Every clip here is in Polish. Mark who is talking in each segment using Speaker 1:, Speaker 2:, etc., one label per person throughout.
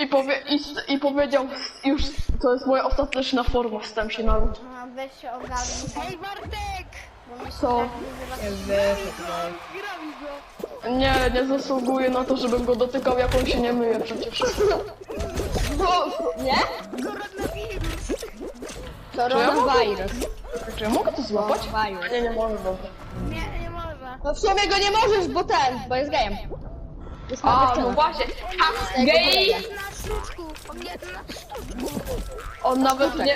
Speaker 1: I powiedział, już to jest moja ostateczna forma, wstałem się na lód.
Speaker 2: No, weź się ogarnij.
Speaker 3: Ej, Bartek!
Speaker 2: Bo myślę,
Speaker 1: Co?
Speaker 2: że jak wyzywasz...
Speaker 3: Gramy go!
Speaker 1: Nie zasługuję na to, żebym go dotykał, jak on się nie myje przecież.
Speaker 4: Nie?
Speaker 3: Koronawirus!
Speaker 4: Koronawirus.
Speaker 1: Czy ja mogę to złapać?
Speaker 4: Koronawirus.
Speaker 1: Nie mogę, dobra.
Speaker 3: Nie można.
Speaker 4: No w sumie go nie możesz, bo jest gejem. Jest
Speaker 1: A,
Speaker 4: dziewczyną.
Speaker 1: no właśnie. A, gej!
Speaker 3: Jest na sztuczku! On jest na sztuczku!
Speaker 1: On nawet nie...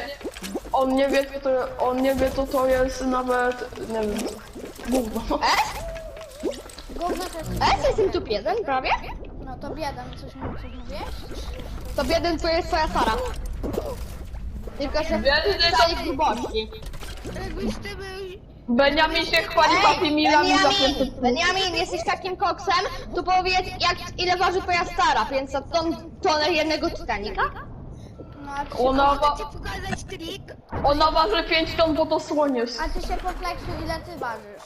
Speaker 1: On nie wie, co to jest nawet... Nie wiem. Gówno.
Speaker 2: Gówno to jest...
Speaker 4: Jestem tu jeden prawie?
Speaker 2: No to biedam, coś mówisz?
Speaker 4: To jeden to jest twoja Sara. Tylko że
Speaker 1: Biedny
Speaker 4: w całej grubości.
Speaker 3: Jakbyś ty był...
Speaker 1: Beniamin się chwali Happy Mealami za 500.
Speaker 4: Beniamin, jesteś takim koksem, to powiedz ile waży twoja Sara, 500 tonę jednego Titanica?
Speaker 2: No, a ty się,
Speaker 1: Ona,
Speaker 3: Chcę ci pokazać trik?
Speaker 1: ona waży 5 ton, bo to słoń jest.
Speaker 2: a ty się pofleksuj, ile ty ważysz?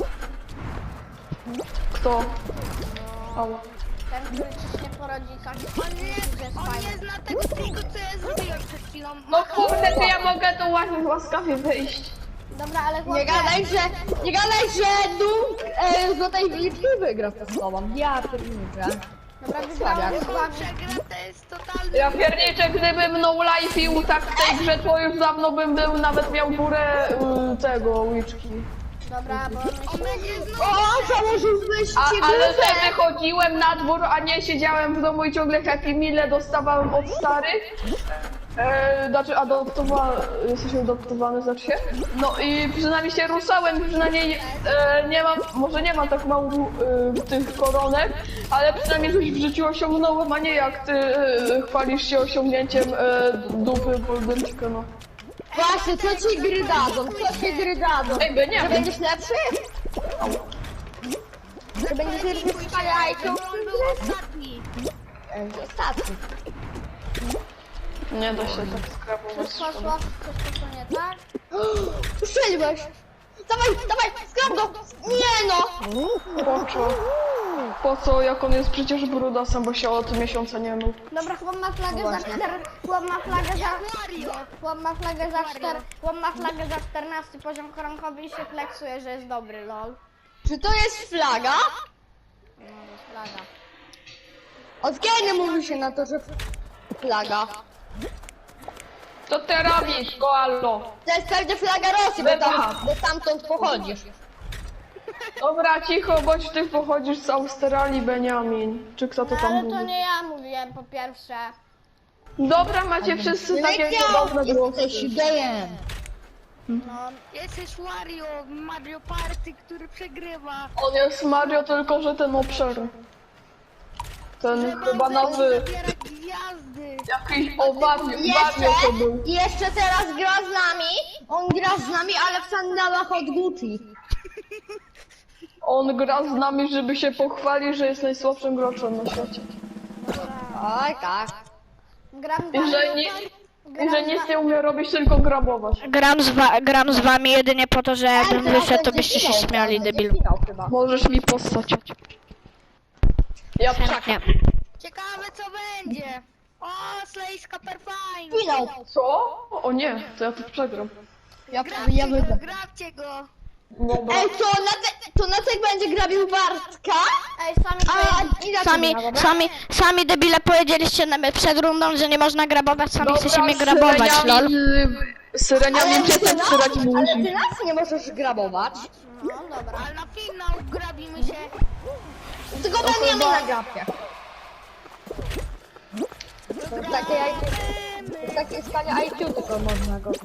Speaker 1: Kto? Ała.
Speaker 2: Ten, który ci nie porodzi taki...
Speaker 3: On nie zna tego triku, co ja zrobiłem przed chwilą.
Speaker 1: No kurde, to ja mogę tu łaskawie wyjść.
Speaker 2: Dobra, ale chłopie...
Speaker 4: Nie gadaj, że Dunk Złotej Wilki wygra z tobą. Ja pierniczę.
Speaker 2: Dobra, wygrałem z wami.
Speaker 3: Przegra to jest totalny...
Speaker 1: Ja pierniczę, gdybym no lifeił tak w tej grze, to już dawno bym był, nawet miał górę tego łyczki.
Speaker 2: Dobra, bo
Speaker 3: On
Speaker 2: myślę...
Speaker 3: będzie znowu...
Speaker 4: O, założyłbyś ci
Speaker 1: Ale
Speaker 4: bluzę!
Speaker 1: że wychodziłem na dwór, a nie siedziałem w domu i ciągle Happy Meale dostawałem od starych. Znaczy jesteś adoptowany, znaczy się? No i przynajmniej się ruszałem, przynajmniej nie mam, może nie mam tak mało tych koronek, ale przynajmniej coś w życiu osiągnąłem, a nie jak ty chwalisz się osiągnięciem dupy Boldenczyka, no.
Speaker 4: Właśnie, co ci gry dadzą? Co ci gry dadzą?
Speaker 1: Ej, nie
Speaker 4: Że
Speaker 1: wiem.
Speaker 4: będziesz lepszy? Że będziesz lepszy w
Speaker 3: On był ostatni.
Speaker 4: Ostatni.
Speaker 1: Nie da się tak skrabować.
Speaker 2: Coś poszło nie tak?
Speaker 4: Strzeliłeś! Dawaj, skrap go! Nie no!
Speaker 1: Po co, jak on jest przecież brudasem, bo się od miesiąca nie mył.
Speaker 2: Dobra, chłop ma flagę za 4... Chłop ma flagę za...
Speaker 3: Mario!
Speaker 2: Chłop ma flagę za 4... Chłop ma flagę za 14 poziom koronkowy i się fleksuje, że jest dobry, lol.
Speaker 4: Czy to jest flaga?
Speaker 2: No, to jest flaga.
Speaker 4: Od kiedy mówi się na to, że flaga?
Speaker 1: Co ty robisz, koalo?
Speaker 4: To jest pewnie flaga Rosji, bo stamtąd pochodzisz.
Speaker 1: Dobra, cicho, bądź ty pochodzisz z Australii, Beniamin. Czy kto to
Speaker 2: No,
Speaker 1: tam
Speaker 2: ale to
Speaker 1: mówi?
Speaker 2: nie ja mówiłem, po pierwsze.
Speaker 1: Dobra, macie wszyscy takie podobne głosy.
Speaker 4: Jesteś gejem.
Speaker 2: No,
Speaker 3: Jesteś Wario, Mario Party, który przegrywa.
Speaker 1: On jest Mario, tylko że ten obszar. Ten chyba nowy,
Speaker 3: Zabierać gwiazdy.
Speaker 1: jakiś Wario to był.
Speaker 4: I jeszcze teraz gra z nami. On gra z nami, ale w sandałach od Gucci.
Speaker 1: On gra z nami, żeby się pochwalić, że jest najsłabszym graczem na świecie.
Speaker 4: Oj, tak.
Speaker 2: gram z
Speaker 1: I
Speaker 2: wami...
Speaker 1: że nic nie umie robić, tylko grabować.
Speaker 5: Gram z wami jedynie po to, że jakbym wyszedł, to byście się śmiali, debil.
Speaker 1: Możesz mi postać. Ja tak.
Speaker 5: Nie.
Speaker 3: Ciekawe co będzie. O, Slejska Perfine.
Speaker 4: Finał.
Speaker 1: Co? O nie, to ja tu przegram.
Speaker 4: Ja
Speaker 3: Grabcie
Speaker 4: wygram.
Speaker 3: go, grabcie go.
Speaker 1: Dobra.
Speaker 4: Ej, to Nacek będzie grabił Bartka?
Speaker 2: Ej,
Speaker 5: Sami debile powiedzieliście przed rundą, że nie można grabować, sami chcecie mnie grabować, lol.
Speaker 1: Syreniamin przestań syrać
Speaker 4: Ale
Speaker 1: musi.
Speaker 4: ty nas nie możesz grabować.
Speaker 2: No, dobra.
Speaker 3: Ale na finał grabimy się.
Speaker 4: Tylko będziemy na grabcie. Takie stanie IQ tylko można go.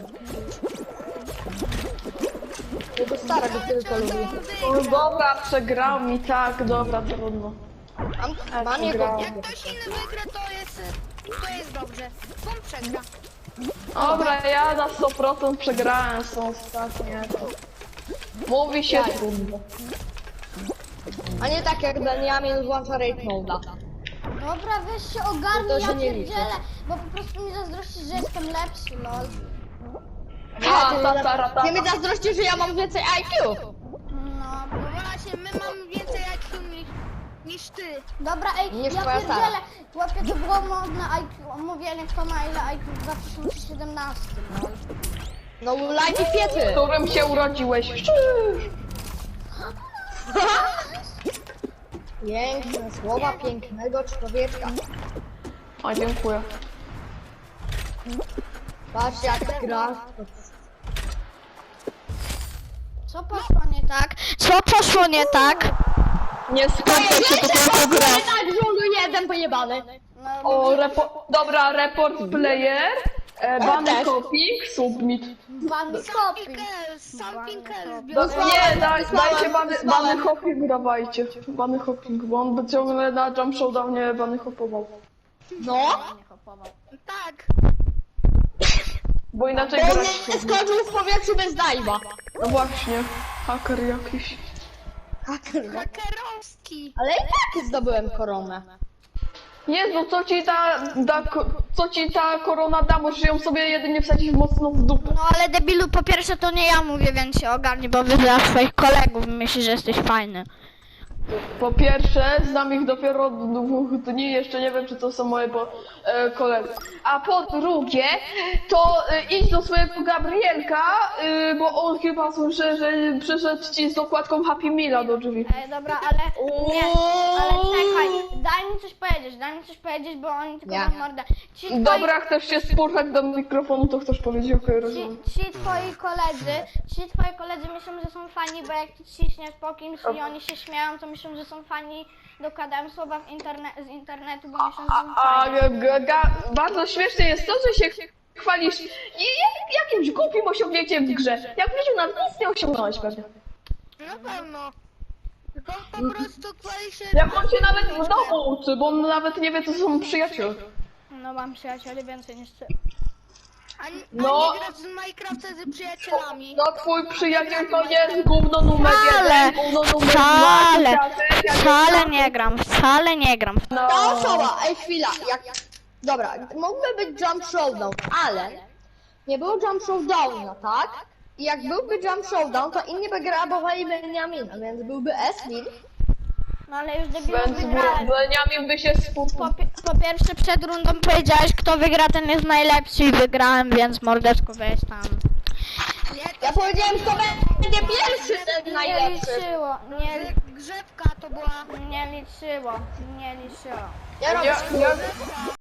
Speaker 4: Jego stara go tylko lubi.
Speaker 1: O, dobra, przegrał mi, tak, dobra, trudno.
Speaker 4: Mam jego...
Speaker 3: Jak ktoś inny wygra, to jest dobrze. On przegra.
Speaker 1: Dobra, ja na 100% przegrałem, są ostatnie. Mówi się trudno.
Speaker 4: A nie tak jak Benjamin włącza Raid Mode'a.
Speaker 2: Dobra, weź się
Speaker 4: To
Speaker 2: ogarnij,
Speaker 4: się
Speaker 2: ja
Speaker 4: nie liczy.
Speaker 2: pierdzielę, bo po prostu mi zazdrościsz, że jestem lepszy, lol.
Speaker 4: Ty mi zazdrościsz, że ja mam więcej IQ.
Speaker 2: No,
Speaker 3: No właśnie, my mamy więcej IQ niż... niż ty.
Speaker 2: Dobra, ej,
Speaker 4: Niż
Speaker 2: ja
Speaker 4: twoja Sara.
Speaker 2: pierdzielę. Łapie to było modne IQ, mówienie kto ma ile IQ w 2017. No.
Speaker 4: No lajki
Speaker 1: W
Speaker 4: piety.
Speaker 1: którym się urodziłeś?
Speaker 4: Piękne słowa pięknego człowieczka.
Speaker 1: A, dziękuję.
Speaker 4: Patrz jak gra.
Speaker 2: Co poszło nie tak?
Speaker 5: Co poszło nie tak?
Speaker 1: Nie skończę się, to tylko gra.
Speaker 4: Tak, żulu jeden pojebany.
Speaker 2: No,
Speaker 1: O, dobra, report player, bany
Speaker 4: też.
Speaker 1: copying, submit.
Speaker 2: Ban copy.
Speaker 3: Sam Pinkel
Speaker 1: No,
Speaker 3: zbiorę.
Speaker 1: nie, dajcie bany hopping, dawajcie. Bany hopping, bo on by ciągle na jump showdownie bany hopował.
Speaker 4: No.
Speaker 3: Tak.
Speaker 1: Bo inaczej
Speaker 4: Bo
Speaker 1: grać
Speaker 4: nie skoczył w powietrzu bez dajwa.
Speaker 1: No właśnie, haker jakiś.
Speaker 3: Hakerowski.
Speaker 4: Ale i tak zdobyłem koronę.
Speaker 1: Jezu, co ci ta korona da? Możesz ją sobie jedynie wsadzić mocno w dupę.
Speaker 5: No ale debilu, po pierwsze to nie ja mówię, więc się ogarnij, bo wyzywasz swoich kolegów i myślisz, że jesteś fajny.
Speaker 1: Po pierwsze, znam ich dopiero od 2 dni, jeszcze nie wiem, czy to są moje koledzy. A po drugie, to idź do swojego Gabrielka, bo on chyba słyszę, że przyszedł ci z dokładką Happy Meala do drzwi.
Speaker 2: Ej, dobra, ale nie, ale czekaj, daj mi coś powiedzieć, bo oni tylko
Speaker 4: Nie.
Speaker 2: mam mordę.
Speaker 1: Dobra, chcesz się spurchać do mikrofonu, to chcesz powiedzieć, okej, rozumiem.
Speaker 2: Ci twoi koledzy myślą, że są fani, bo jak ty ciśniesz po kimś i oni się śmieją, to myślą, że są fani, dokładają słowa z internetu, bo myślą, że są fani.
Speaker 1: Bardzo śmieszne jest to, że się chwalisz jakimś głupim osiągnięciem w grze. Jak w życiu nawet nic nie osiągnąłeś pewnie.
Speaker 3: Na pewno. On po prostu chwali się...
Speaker 1: Jak on się nawet w domu uczy, bo on nawet nie wie, co są przyjaciele.
Speaker 2: No mam przyjacieli więcej niż ty.
Speaker 3: A
Speaker 1: No.
Speaker 3: nie grać z Minecrafta z przyjacielami.
Speaker 1: No twój przyjaciel to jest gówno numer
Speaker 5: Wcale,
Speaker 1: 1, gówno numer 2,
Speaker 5: wcale,
Speaker 1: dziadek,
Speaker 5: wcale nie gram.
Speaker 1: No.
Speaker 4: Ta osoba, ej chwila, jak... Dobra, mógłby być jump showdown, ale nie było jump showdowna, tak? I jak byłby jump showdown, to inni by grabowali Beniamina, więc byłby S-win.
Speaker 2: No ale już debilu
Speaker 1: Więc
Speaker 2: wygrałem.
Speaker 1: Beniamin by się spóźnił.
Speaker 5: Po pierwsze przed rundą powiedziałeś, kto wygra, ten jest najlepszy i wygrałem, więc mordeczko weź tam.
Speaker 4: Ja powiedziałem, kto będzie pierwszy, ten
Speaker 2: Nie
Speaker 4: najlepszy.
Speaker 2: liczyło,
Speaker 3: Grzebka to była...
Speaker 2: nie liczyło.
Speaker 4: Ja robię
Speaker 1: Ja